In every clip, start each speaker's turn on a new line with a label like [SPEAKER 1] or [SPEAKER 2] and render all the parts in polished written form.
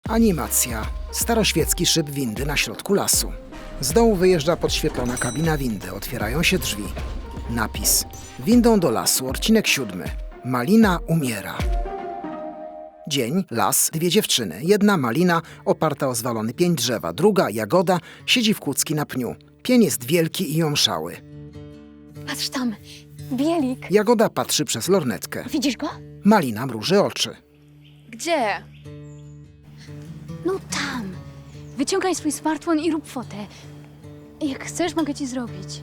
[SPEAKER 1] Animacja. Staroświecki szyb windy na środku lasu. Z dołu wyjeżdża podświetlona kabina windy. Otwierają się drzwi. Napis. Windą do lasu, odcinek 7. Malina umiera. Dzień, las, 2 dziewczyny. Jedna Malina, oparta o zwalony pień drzewa. Druga, Jagoda, siedzi w kucki na pniu. Pień jest wielki i omszały.
[SPEAKER 2] Patrz tam, bielik.
[SPEAKER 1] Jagoda patrzy przez lornetkę.
[SPEAKER 2] Widzisz go?
[SPEAKER 1] Malina mruży oczy.
[SPEAKER 3] Gdzie?
[SPEAKER 2] No tam. Wyciągaj swój smartfon i rób fotę. Jak chcesz, mogę ci zrobić.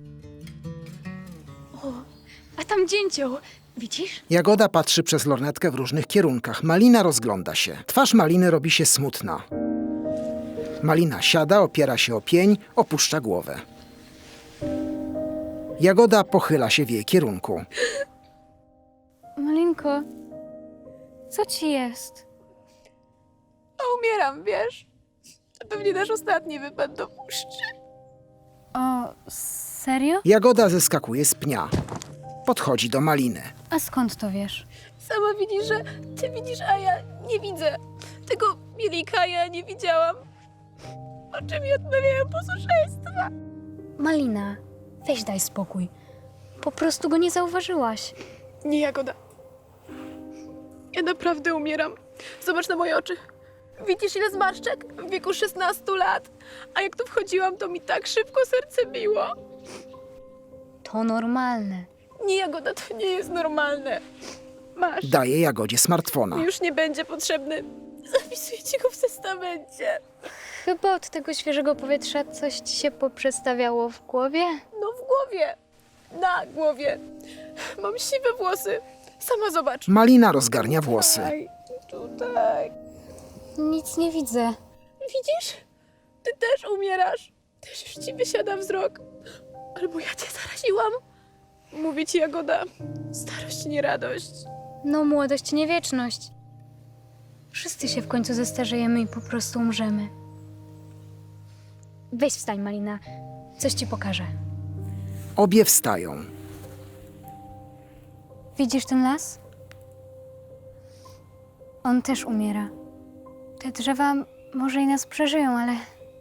[SPEAKER 2] O, a tam dzięcioł. Widzisz?
[SPEAKER 1] Jagoda patrzy przez lornetkę w różnych kierunkach. Malina rozgląda się. Twarz Maliny robi się smutna. Malina siada, opiera się o pień, opuszcza głowę. Jagoda pochyla się w jej kierunku.
[SPEAKER 2] Malinko, co ci jest?
[SPEAKER 3] A umieram, wiesz? To pewnie nasz ostatni wypad do puszczy.
[SPEAKER 2] O, serio?
[SPEAKER 1] Jagoda zeskakuje z pnia. Podchodzi do Maliny.
[SPEAKER 2] A skąd to wiesz?
[SPEAKER 3] Sama widzisz, że ty widzisz, a ja nie widzę. Tego bielika ja nie widziałam. Oczy mi odmawiają posłuszeństwa.
[SPEAKER 2] Malina, weź daj spokój. Po prostu go nie zauważyłaś.
[SPEAKER 3] Nie, Jagoda. Ja naprawdę umieram. Zobacz na moje oczy. Widzisz, ile zmarszczek? W wieku 16 lat. A jak tu wchodziłam, to mi tak szybko serce biło.
[SPEAKER 2] To normalne.
[SPEAKER 3] Nie, Jagoda, to nie jest normalne. Masz.
[SPEAKER 1] Daje Jagodzie smartfona.
[SPEAKER 3] Już nie będzie potrzebny. Zapisuję ci go w testamencie.
[SPEAKER 2] Chyba od tego świeżego powietrza coś ci się poprzestawiało w głowie?
[SPEAKER 3] No w głowie. Na głowie. Mam siwe włosy. Sama zobacz.
[SPEAKER 1] Malina rozgarnia włosy.
[SPEAKER 3] Tutaj.
[SPEAKER 2] Nic nie widzę.
[SPEAKER 3] Widzisz? Ty też umierasz. Też już ci wysiada wzrok. Albo ja cię zaraziłam. Mówię ci, Jagoda, starość nie radość.
[SPEAKER 2] No, młodość, nie wieczność. Wszyscy się w końcu zestarzejemy i po prostu umrzemy. Weź wstań, Malina. Coś ci pokażę.
[SPEAKER 1] Obie wstają.
[SPEAKER 2] Widzisz ten las? On też umiera. Te drzewa może i nas przeżyją, ale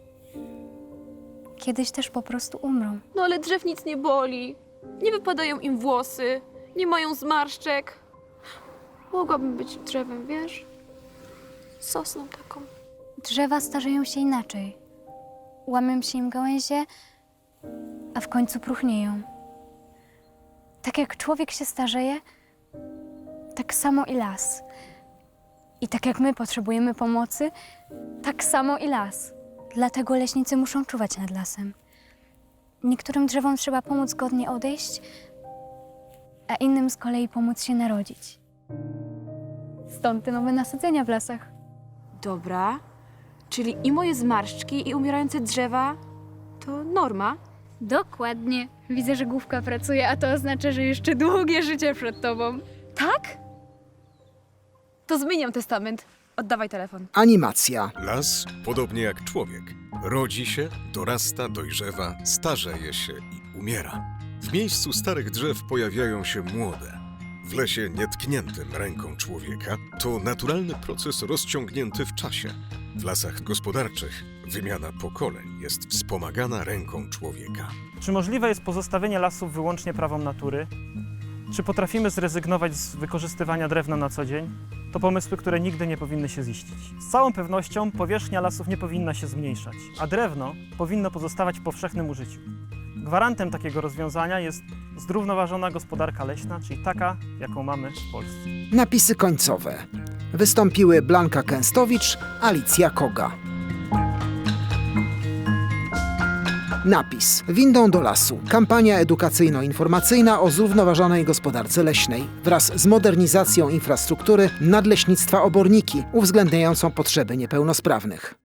[SPEAKER 2] kiedyś też po prostu umrą.
[SPEAKER 3] No ale drzew nic nie boli. Nie wypadają im włosy. Nie mają zmarszczek. Mogłabym być drzewem, wiesz? Sosną taką.
[SPEAKER 2] Drzewa starzeją się inaczej. Łamią się im gałęzie, a w końcu próchnieją. Tak jak człowiek się starzeje, tak samo i las. I tak jak my potrzebujemy pomocy, tak samo i las. Dlatego leśnicy muszą czuwać nad lasem. Niektórym drzewom trzeba pomóc godnie odejść, a innym z kolei pomóc się narodzić. Stąd te nowe nasadzenia w lasach.
[SPEAKER 3] Dobra. Czyli i moje zmarszczki, i umierające drzewa to norma?
[SPEAKER 2] Dokładnie. Widzę, że główka pracuje, a to oznacza, że jeszcze długie życie przed tobą.
[SPEAKER 3] Tak? To zmieniam testament. Oddawaj telefon.
[SPEAKER 1] Animacja.
[SPEAKER 4] Las, podobnie jak człowiek, rodzi się, dorasta, dojrzewa, starzeje się i umiera. W miejscu starych drzew pojawiają się młode. W lesie nietkniętym ręką człowieka to naturalny proces rozciągnięty w czasie. W lasach gospodarczych wymiana pokoleń jest wspomagana ręką człowieka.
[SPEAKER 5] Czy możliwe jest pozostawienie lasów wyłącznie prawom natury? Czy potrafimy zrezygnować z wykorzystywania drewna na co dzień? To pomysły, które nigdy nie powinny się ziścić. Z całą pewnością powierzchnia lasów nie powinna się zmniejszać, a drewno powinno pozostawać w powszechnym użyciu. Gwarantem takiego rozwiązania jest zrównoważona gospodarka leśna, czyli taka, jaką mamy w Polsce.
[SPEAKER 1] Napisy końcowe. Wystąpiły Blanka Kęstowicz, Alicja Koga. Napis. Windą do lasu. Kampania edukacyjno-informacyjna o zrównoważonej gospodarce leśnej wraz z modernizacją infrastruktury nadleśnictwa Oborniki, uwzględniającą potrzeby niepełnosprawnych.